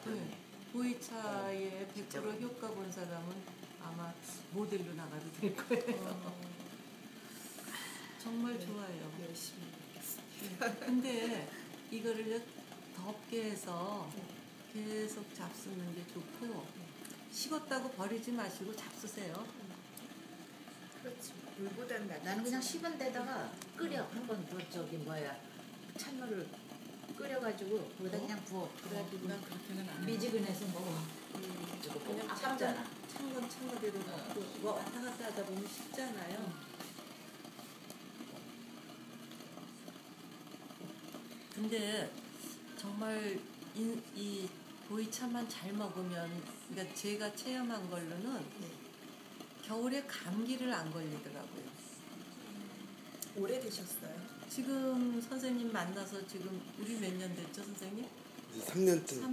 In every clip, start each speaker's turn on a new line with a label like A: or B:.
A: 네. 보이차에 100% 효과 본 사람은 아마 모델로 나가도 될 거예요. 정말
B: 네.
A: 좋아요.
B: 열심히 먹겠습니다.
A: 네. 근데 이거를 덥게 해서 계속 잡수는 게 좋고, 식었다고 버리지 마시고 잡수세요.
B: 그렇지. 물보다는 낫지.
C: 나는 그냥 식은 데다가 끓여. 한번 더 찬물을 끓여가지고 거기다 그냥 부어. 그래가지고
B: 난 그렇게는 안 해.
C: 미지근해서 먹어.
A: 그냥
C: 아깝잖아.
A: 찬 건 찬 거대로 먹고, 뭐 왔다 갔다 하다 보면 식잖아요. 근데 정말 이 보이차만 잘 먹으면, 그러니까 제가 체험한 걸로는 겨울에 감기를 안 걸리더라고요.
B: 오래 드셨어요?
A: 지금 선생님 만나서 지금 우리 몇 년 됐죠, 선생님?
D: 이제 3년째.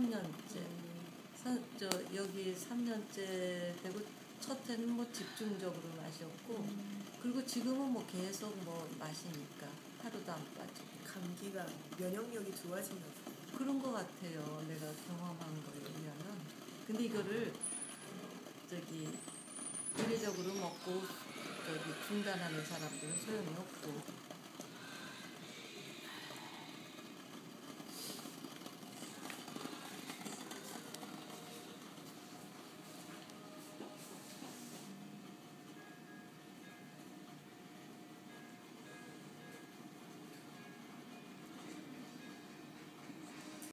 A: 3년째. 여기 3년째 되고 첫 해는 뭐 집중적으로 마셨고, 그리고 지금은 뭐 계속 뭐 마시니까 하루도 안 빠지고.
B: 감기가 면역력이 좋아진다.
A: 그런 거 같아요. 내가 경험한 거에 의하면. 근데 이거를 이례적으로 먹고 중단하는 사람들은 소용이 없고,